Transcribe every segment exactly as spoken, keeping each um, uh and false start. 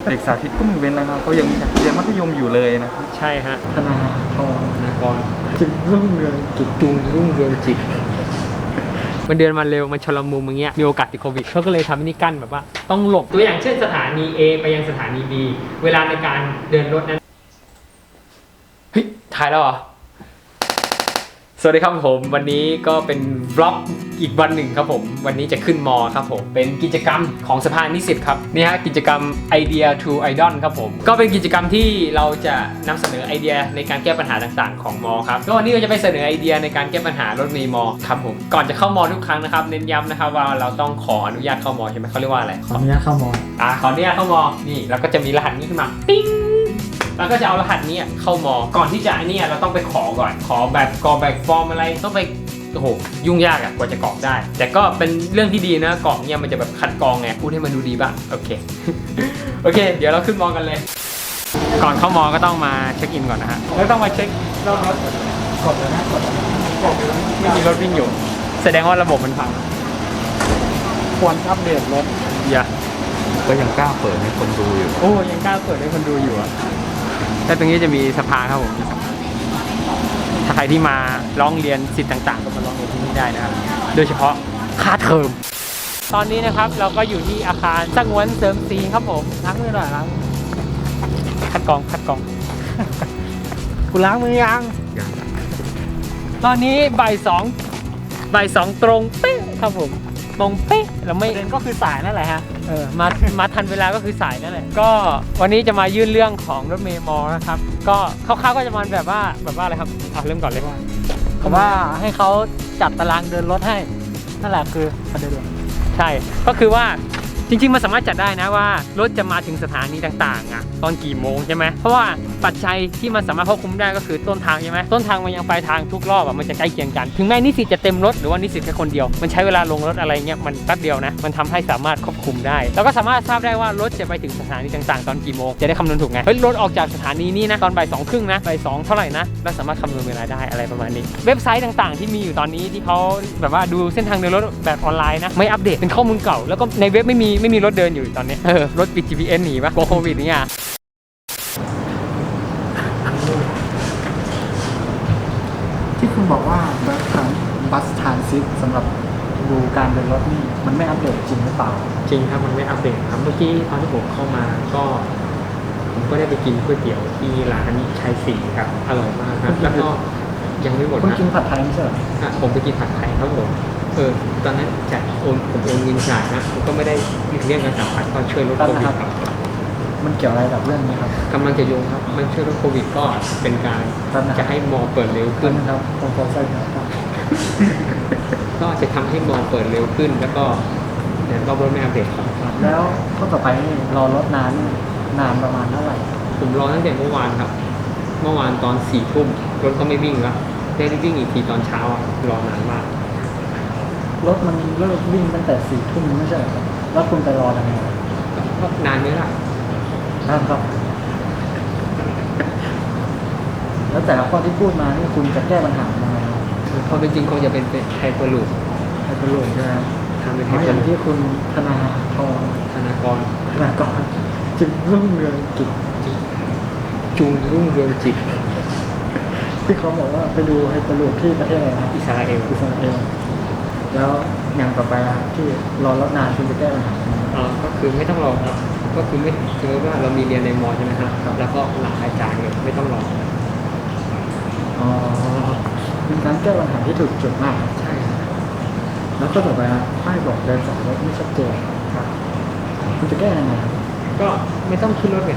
เด็กสาธิตก็ไม่เว้นแล้วครับเขายังเรียนมัธยมอยู่เลยนะใช่ฮะธนาธรธนากรจิตรุ่งเรืองจิตจุงรุ่งเรืองจิตมันเดินมาเร็วมันชลมุมอย่างเงี้ยมีโอกาสติดโควิดเขาก็เลยทำนี่กั้นแบบว่าต้องหลบตัวอย่างเช่นสถานี A ไปยังสถานี B เวลาในการเดินรถนั้นเฮ้ยถ่ายแล้วเหรอสวัสดีครับผมวันนี้ก็เป็นวล็อกอีกวันหนึ่งครับผมวันนี้จะขึ้นมอครับผมเป็นกิจกรรมของสภานิสิตครับนี่ฮะกิจกรรม Idea to Idol ครับผมก็เป็นกิจกรรมที่เราจะนำเสนอไอเดียในการแก้ปัญหาต่างๆของมอครับก็วันนี้เราจะไปเสนอไอเดียในการแก้ปัญหารถเมล์มอครับผมก่อนจะเข้ามอทุกครั้งนะครับเน้นย้ำนะครับว่าเราต้องขออนุญาตเข้ามอใช่ไหมเขาเรียกว่าอะไรขออนุญาตเข้ามออ่าขออนุญาตเข้ามอนี่เราก็จะมีรหัสนี้ขึ้นมาปิ๊งแล้วก็จะเอารหัสนี้เข้ามอก่อนที่จะอันนี้เราต้องไปขอก่อนขอแบบกรอกแบบฟอร์มอะไรต้องไปโอ้โหยุ่งยากอะกว่าจะกรอกได้แต่ก็เป็นเรื่องที่ดีนะกรอกเนี่ยมันจะแบบคัดกรองไงพูดให้มันดูดีบ้างโอเค โอเคเดี๋ยวเราขึ้นมอกันเลยก่อนเข้ามอก็ต้องมาเช็คอินก่อนนะฮะแล้วต้องมาเช็ครอบรถกดแล้วนะกดแล้วกดไม่มีรถวิ่งอยู่แสดงว่าระบบมันพังควรอัปเดตรถอย่าก็ยังกล้าเปิดให้คนดูอยู่โอ้ยังกล้าเปิดให้คนดูอยู่อะแล้วตรงนี้จะมีสภาครับผมถ้าใครที่มาร้องเรียนสิทธิ์ต่างๆก็มาร้องเรียนที่นี่ได้นะครับโดยเฉพาะค่าเทอมตอนนี้นะครับเราก็อยู่ที่อาคารสงวนเสริมศรีครับผมล้างมือหน่อยล้างคัดกรองคัดกรองคุณล้างมือยังตอนนี้บ่ายสองบ่ายสองตรงเป๊ะครับผมตรงเป๊ะเราไม่เด่นก็คือสายนั่นแหละฮะเออมามาทันเวลาก็คือสายนั่นแหละก็วันนี้จะมายื่นเรื่องของรถเมล์มอนะครับก็คร่าวๆก็จะมาแบบว่าแบบว่าอะไรครับอ่ะเริ่มก่อนเลยว่าผมว่าให้เขาจัดตารางเดินรถให้นั่นแหละคือประเด็นใช่ก็คือว่าจริงๆมันสามารถจัดได้นะว่ารถจะมาถึงสถานีต่างๆอ่ะตอนกี่โมงใช่ไหมเพราะว่าปัจจัยที่มันสามารถควบคุมได้ก็คือต้นทางใช่ไหมต้นทางมันยังปลายทางทุกรอบอ่ะมันจะใกล้เคียงกันถึงแม้นิสิตจะเต็มรถหรือว่านิสิตแค่คนเดียวมันใช้เวลาลงรถอะไรเงี้ยมันแป๊บเดียวนะมันทำให้สามารถควบคุมได้แล้วก็สามารถทราบได้ว่ารถจะไปถึงสถานีต่างๆตอนกี่โมงจะได้คำนวณถูกไงเฮ้ยรถออกจากสถานีนี้นะตอนบ่ายสองครึ่งนะบ่ายสองเท่าไหร่นะเราสามารถคำนวณเวลาได้อะไรประมาณนี้เว็บไซต์ต่างๆที่มีอยู่ตอนนี้ที่เขาแบบว่าดูเส้นทางเดินรถแบบออนไลน์นะไม่อัปเดตเป็นข้อมูลเก่าแล้วก็ในเว็บไม่มีไม่มีรถเดินอยู่ตอนนี้เออรถปิด จี พี เอส หนีปะกลัวโควิดเนี่ยที่คุณบอกว่าบัสทานบัสทานซิปสำหรับดูการเดินรถนี่มันไม่อัปเดตจริงหรือเปล่าจริงครับมันไม่อัปเดตครับเมื่อกี้ตอนที่ผมเข้ามาก็ผมก็ได้ไปกินก๋วยเตี๋ยวที่ร้านชัยศรีครับอร่อยมากครับแล้วก็ยังไม่หมดนะคุณกินผัดไทยไม่ใช่เหรอผมไปกินผัดไทยครับผมเออตอนนั้นจะโอนผมโอนเงินจ่ายนะผมก็ไม่ได้เรื่องการสัมผัสก็ช่วยลดโควิดครับมันเกี่ยวอะไรกับเรื่องนี้ครับกำลังจะโยงครับมันช่วยลดโควิดก็เป็นการจะให้มอเปิดเร็วขึ้นครับผมขอใส่ครับก็จะทำให้มอเปิดเร็วขึ้นแล้วก็เนี่ยก็รถไม่อัปเดตครับแล้วข้อต่อไปนี่รอรถนานนานประมาณเท่าไหร่ผมรอตั้งแต่เมื่อวานครับเมื่อวานตอนสี่ทุ่มรถก็ไม่วิ่งแล้วได้วิ่งอีกทีตอนเช้ารอนานมากรถมันเลิกวิ่งตั้งแต่สี่ทุ่มไม่ใช่ครับแล้วคุณไปรอทำไมก็นานเยอะละนานครับแล้วแต่ละข้อที่พูดมานี่คุณจะแก้ปัญหายังไงพอเป็นจริงคงจะเป็นไฮเปอร์ลูปไฮเปอร์ลูปใช่ไหมทำเป็นไฮเปอร์ลูปที่คุณธนาธรธนากรธนากรจิตรุ่งเรืองจิตจุงรุ่งเรืองจิตที่เขาบอกว่าไปดูไฮเปอร์ลูปที่ประเทศอะไรนะอิสราเอลอิสราเอลแล้วอย่างต่อไปที่รอรถนานคุณจะแก้ปัญหาอ๋อก็คือไม่ต้องรอครับก็คือไม่คือว่าเรามีเรียนในมอใช่ไหมครับแล้วก็หลังอาจารย์เนี่ยไม่ต้องรออ๋อเป็นการแก้ปัญหาที่ถูกจุดมากใช่แล้วก็ต่อไปนะป้ายบอกเดินสายรถไม่ชัดเจนครับคุณจะแก้ยังไงครับก็ไม่ต้องขึ้นรถไง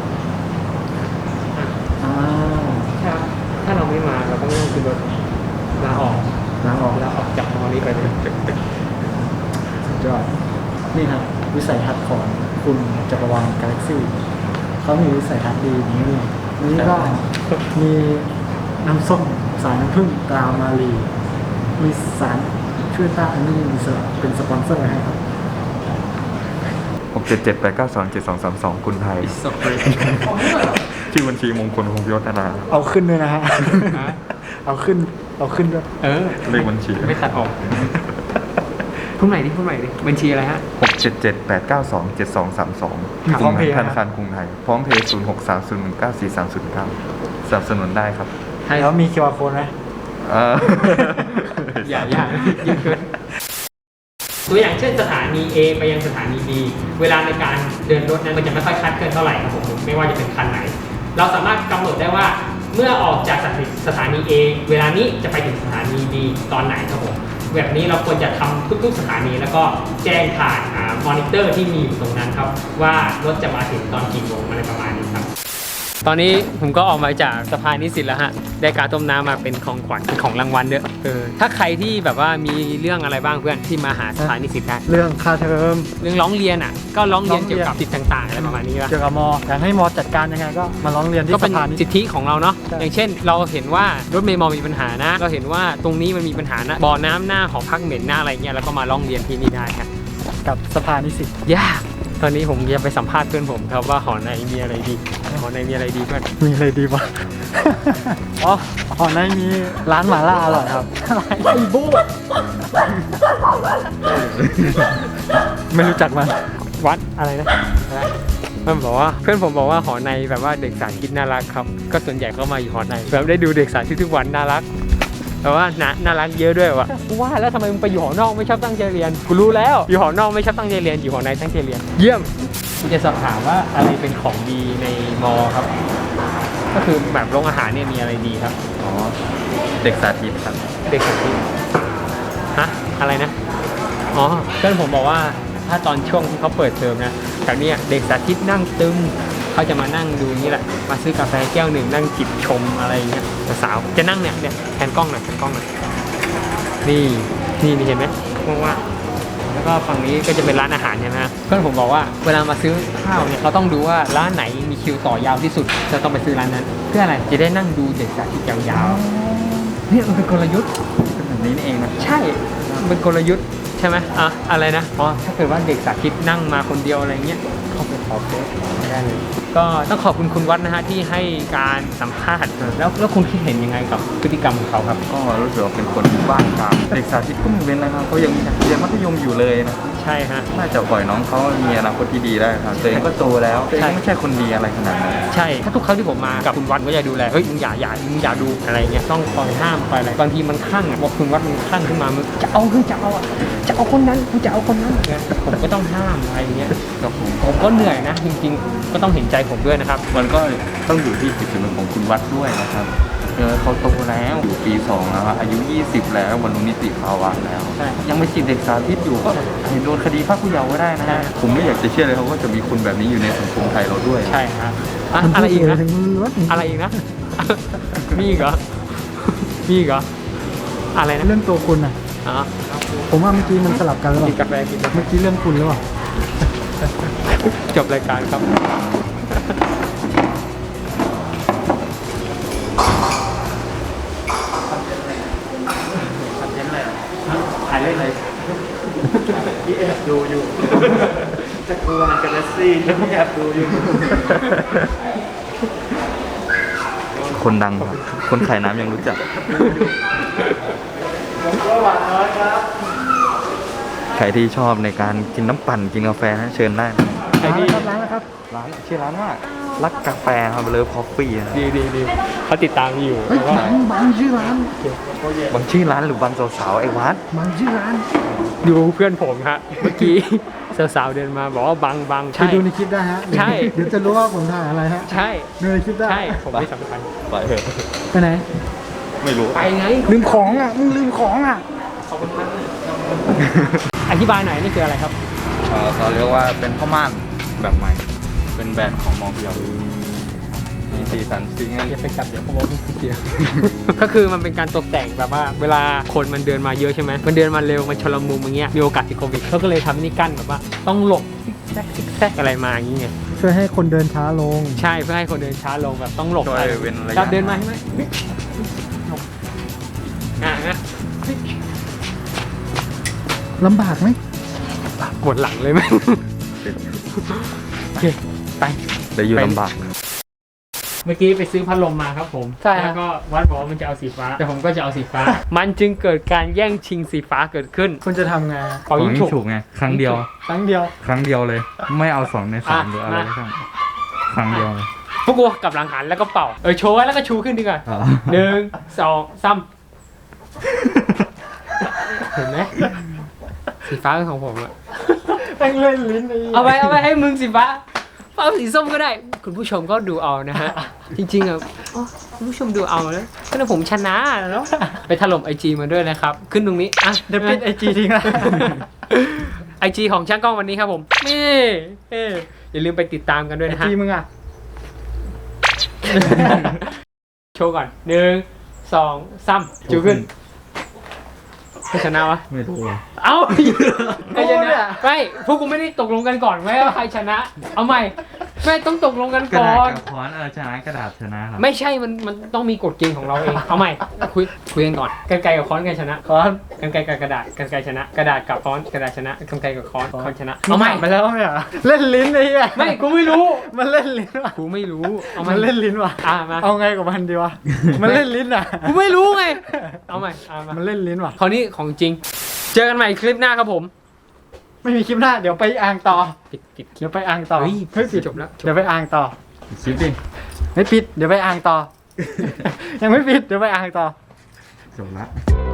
อ่าใช่ถ้าเราไม่มาเราก็ไม่ต้องขึ้นรถลาออกลาออกลาออกจากมอนี้ไปเลยสุดยอดนี่ครับวิสัยทัศน์ของคุณจักรวาลกาแล็กซี่เขามีวิสัยทัศน์ดีนี้นี่ก็มีน้ำส้มสารน้ำผึ้งตรามาลีมีสารช่วยต้านอนุมูลอิสระเป็นสปอนเซอร์ให้ครับหกเจ็ดเจ็ดแปดเก้าสองเจ็ดสองสามสองคุณไทยชื่อบัญชีมงคลคงยศนาเอาขึ้นด้วยนะฮะเอาขึ้นเอาขึ้นด้วยเออเลขบัญชีไม่ตัดออกพูดใหม่ดิพูดใหม่ดิบัญชีอะไรฮะหกเจ็ดเจ็ดแปดเก้าสองเจ็ดสองสามสองมีพร้อมเพย์ธนาคารกรุงไทยพร้อมเพย์ศูนย์หกสามศูนย์หนึ่งเก้าสี่สามศูนย์เก้าสนับสนุนได้ครับแล้วมี คิว อาร์ code ไหมเอออย่าอย่าเยอะเกินตัวอย่างเช่นสถานี A ไปยังสถานี B เวลาในการเดินรถนั้นมันจะไม่ค่อยคลาดเคลื่อนเท่าไหร่ครับผมไม่ว่าจะเป็นคันไหน เราสามารถกำหนดได้ว่าเมื่อออกจากสถานี A เวลานี้จะไปถึงสถานี B ตอนไหนครับผมแบบนี้เราควรจะทำทุกๆสถานีแล้วก็แจ้งผ่านมอนิเตอร์ที่มีอยู่ตรงนั้นครับว่ารถจะมาถึงตอนกี่โมงอะไรประมาณนี้ครับตอนนี้ผมก็ออกมาจากสะพานนิสิตแล้วฮะได้การต้มน้ำมาเป็นของขวัญเป็นของรางวัลด้วยเออถ้าใครที่แบบว่ามีเรื่องอะไรบ้างเพื่อนที่มาหาสะพานนิสิตได้เรื่องค่าเทอมเรื่องร้องเรียนอ่ะก็ร้องเรียนร้องเรียนเกี่ยวกับสิทธิ์ต่างๆอะไรประมาณนี้ป่ะเกี่ยวกับมออยากให้มอจัดการยังไงก็มาร้องเรียนที่ก็สเป็นภานี้สิทธิของเราเนาะใช่อย่างเช่น เราเห็นว่ารถเมล์มอมีปัญหานะ เราเห็นว่าตรงนี้มันมีปัญหานะบ่อน้ำหน้าหอพักเหม็นหน้าอะไรเงี้ยแล้วก็มาร้องเรียนที่นี่ได้ครับกับสภานิสิตยากตอนนี้ผมจะไปสัมภาษณ์เพื่อนผมครับว่าหอในมีอะไรดีหอในมีอะไรดีเพื่อนมีอะไรดีวะ อ๋อหอในมีร้านหม่าล่าอร่อยครับไอ้โบ้ไม่รู้จักมันวัดอะไรนะมันบอกว่าเพื่อนผมบอกว่าหอในแบบว่าเด็กสารคิดน่ารักครับก็ส่วนใหญ่ก็มาอยู่หอในแบบได้ดูเด็กสารทุกๆวันน่ารักแต่ว่าน่าน่ารักเยอะด้วยวะว่าแล้วทำไมมึงไปอยู่หอนอกไม่ชอบตั้งใจเรียนกูรู้แล้วอยู่หอนอกไม่ชอบตั้งใจเรียนอยู่หอในตั้งใจเรียนเยี่ยมกูจะสอบถามว่าอะไรเป็นของดีในมอครับก็คือแบบโรงอาหารเนี่ยมีอะไรดีครับอ๋อเด็กสาธิตครับเด็กสาธิตฮะอะไรนะอ๋อเพื่อนผมบอกว่าถ้าตอนช่วงที่เขาเปิดเทอมนะแถวเนี้ยเด็กสาธิตนั่งตึมเขาจะมานั่งดูนี่แหละมาซื้อกาแฟแก้วหนึ่งนั่งจิบชมอะไรอย่างเงี้ยสาวๆจะนั่งเนี่ยเนี่ยแทนกล้องหน่อยแทนกล้องหน่อยนี่นี่นี่เห็นไหมว่างๆแล้วก็ฝั่งนี้ก็จะเป็นร้านอาหารใช่ไหมฮะเพื่อนผมบอกว่าเวลามาซื้อข้าวเนี่ยเขาต้องดูว่าร้านไหนมีคิวต่อยาวที่สุดจะต้องไปซื้อร้านนั้น เพื่ออะไรจะได้นั่งดูเด็กสาธิตยาวๆเนี่ยมันเป็นกลยุทธ์เป็นแบบนี้นี่เองนะใช่มันเป็นกลยุทธ์ใช่ไหมอ่ะอะไรนะอ๋อถ้าเกิดว่าเด็กสาธิตนั่งมาคนเดียวอะไรเงี้ยเข้าไปขอเฟซได้เลยก็ต้องขอบคุณคุณวัดนะฮะที่ให้การสัมภาษณ์แล้วแล้วคุณคิดเห็นยังไงกับพฤติกรรมของเขาครับก็รู้สึกว่าเป็นคนบ้างตามเด็กสาธิตก็ไม่เป็นไรครับเขายังเรียนมัธยมอยู่เลยนะใช่ฮะน่าจะปล่อยน้องเขามีอนาคตที่ดีได้ครับตัวเองก็โตแล้วตัวเองไม่ใช่คนดีอะไรขนาดนั้นใช่ถ้าทุกครั้งที่ผมมากับคุณวัดก็จะดูแลเฮ้ยมึงอย่าอย่ามึงอย่าดูอะไรเงี้ยต้องคอยห้ามคอยอะไรบางทีมันคลั่งอ่ะว่าคุณวัดมันคลั่งขึ้นมามึงจะเอาเฮ้ยจะเอาอ่ะจะเอาคนนั้นกูจะเอาคนนั้นเนี่ยผมก็ต้องห้ามอะไรเงี้ยก็คงผมก็เหนื่อยนะจริงๆก็ต้องเห็นใจผมด้วยนะครับมันก็ต้องอยู่ที่จิตสำนึกของคุณวัดด้วยนะครับเออเขาโตแล้วอยู่ปีสองแล้วอะอายุยี่สิบแล้วบรรลุนิติภาวะแล้วใช่ยังไม่จิตเด็กสาธิตอยู่ก็เห็นโดนคดีพรากผู้เยาว์ก็ได้นะฮะผมไม่อยากจะเชื่อเลยครับว่าจะมีคนแบบนี้อยู่ในสังคมไทยเราด้วยใช่ฮะอ่ะมันอะไรอีกนะถึงรถอะไรอีกนะ มีอีกเหรอ มีอีกเหรอ อะไรนะเรื่องตัวคุณอ่ะอ๋อผมว่าเมื่อกี้มันสลับกันหรือเปกินล่ากาแฟกินกาแฟเมื่อกี้เรื่องคุณหรือเปล่าจบรายการครับ ถ่ายเล่นเลยพี่แอบดูอยู่ จะกลัวมันกันละซี่พี่แอบดูอยู่คนดังครับคนขายน้ำยังรู้จักผมก็หวานน้อยครับใครที่ชอบในการกินน้ำปั่นกินกาแฟนะเชิญได้นะใครดีร้านแล้วครับร้านชื่อร้านว่ารักกาแฟครับเลิฟคอฟฟี่นะดีดีดีเขาติดตามอยู่เฮ้ยว่าบางบางชื่อร้านบางชื่อร้านหรือบางสาวๆไอ้วัดบางชื่อร้านดูเพื่อนผมฮะ เมื่อกี้ สาวๆเดินมาบอกว่าบังบังไปใช่ดูในคลิปได้ฮะใช่เดี๋ยวจะรู้ว่าผมถ่ายอะไรฮะใช่ดูในคลิปได้ใช่ ผมไม่สำคัญไปเถอะไปไหนไม่รู้ไปไงลืมของอ่ะ มึงลืมของอ่ะขอบคุณมากอธิบายหน่อยนี่คืออะไรครับเอ่อเขาเรียกว่าเป็นข้าวม่านแบบใหม่ เป็นแบรนด์ของมองเพียวมีสีสันสีเงินอย่าไปจับเดี๋ยวขโมยเดียว ก็คือมันเป็นการตกแต่งแบบว่า เวลาคนมันเดินมาเยอะใช่ไหมมันเดินมาเร็วมันชนละมุมอย่างเงี้ยมีโอกาสติดโควิดเขาก็เลยทำนี่กั้นแบบว่า ต้องหลบซิกแซกซิกแซกอะไรมาอย่างเงี้ยช่วยให้คนเดินช้าลงใช่เพื่อให้คนเดินช้าลงแบบต้องหลบโดอะไรยเว้นระยะครับเดินมาใช่ไหมหลบอ่ะนะลำบากไหมปวดหลังเลยไหมโอเคไปได้อยู่ลำบากเมื่อกี้ไปซื้อพัดลมมาครับผมใช่ฮะแล้วก็วัดบอกว่ามันจะเอาสีฟ้า แต่ผมก็จะเอาสีฟ้า มันจึงเกิดการแย่งชิงสีฟ้าเกิดขึ้นคุณจะทำไงเป่ายิงฉุกถูกไงครั้งเดียวครั้งเดียวครั้งเดียวเลย ไม่เอาสองในสามอ่ะหรืออะไรมาก็ช่างครั้งเดียวเลยพวกกูกลับหลังหันแล้วก็เป่า เออโชว์ไว้แล้วก็ชูขึ้นดีกว่าอ๋อหนึ่งสองสามเห็นไหมสีฟ้าเป็นของผมอะแม่งเล่นลิ้นไอ้เอาไปเอาไปให้มึงสีฟ้าเอาสีส้มก็ได้ คุณผู้ชมก็ดูเอานะฮะ จริงๆอ่ะอ๋อคุณผู้ชมดูเอาแล้วก็นะผมชนะแล้ว ไปถล่มไอจีมาด้วยนะครับ ขึ้นตรงนี้อ่ะเดี๋ยวปิดไอจีทิ้งละไอจีของช่างกล้องวันนี้ครับผมนี่เอ้ยอย่าลืมไปติดตามกันด้วยไอนะฮะจีมึงอ่ะโชว์ก่อนหนึ่งสองสามจูขึ้นใครชนะวะไม่รู้อะเอ้าใครชโอ้เนี่นะยไม่พวกกูไม่ได้ตกลงกันก่อนไว้ว่าใครชนะ เอาใหม่ไม่ต้องตกลงกันกระก่ดาอษนกับค้อนเออชนะกระดาษชนะครับไม่ใช่มันมันต้องมีกฎเกณฑ์ของเราเองเอาใหม่คุยคุยกันก่อนกันไกรกับค้อนกันชนะค้อนกันไกรกับกระดาษกันไกรชนะ กระดาษกับค้อนกระดาษชนะกันไกรกับค้อนค้อนชนะเอาใหม่ไปแล้วไม่เหรอเล่นลิ้นไอ้เหี้ยไม่กูไม่รู้มันเล่นลิ้นว่ะกูไม่รู้เอาใหม่มันเล่นลิ้นว่ะอ่ามาเอาไงกับมันดีวะ มันเล่นลิ้นอ่ะกูไม่รู้ไงเอาใหม่เอามามันเล่นลิ้นว่ะคราวนี้ของจริง เจอกันใหม่คลิปหน้าครับผมไม่มีคลิปหน้า เดี๋ยวไปอ่างต่อปิดปิดเดี๋ยวไปอ่างต่อเฮ้ยเฮ้ยปิดจบแล้วจบเดี๋ยวไปอ่างต่อคิดดิไม่ปิด เดี๋ยวไปอ่างต่อ ยังไม่ปิด เดี๋ยวไปอ่างต่อจบละ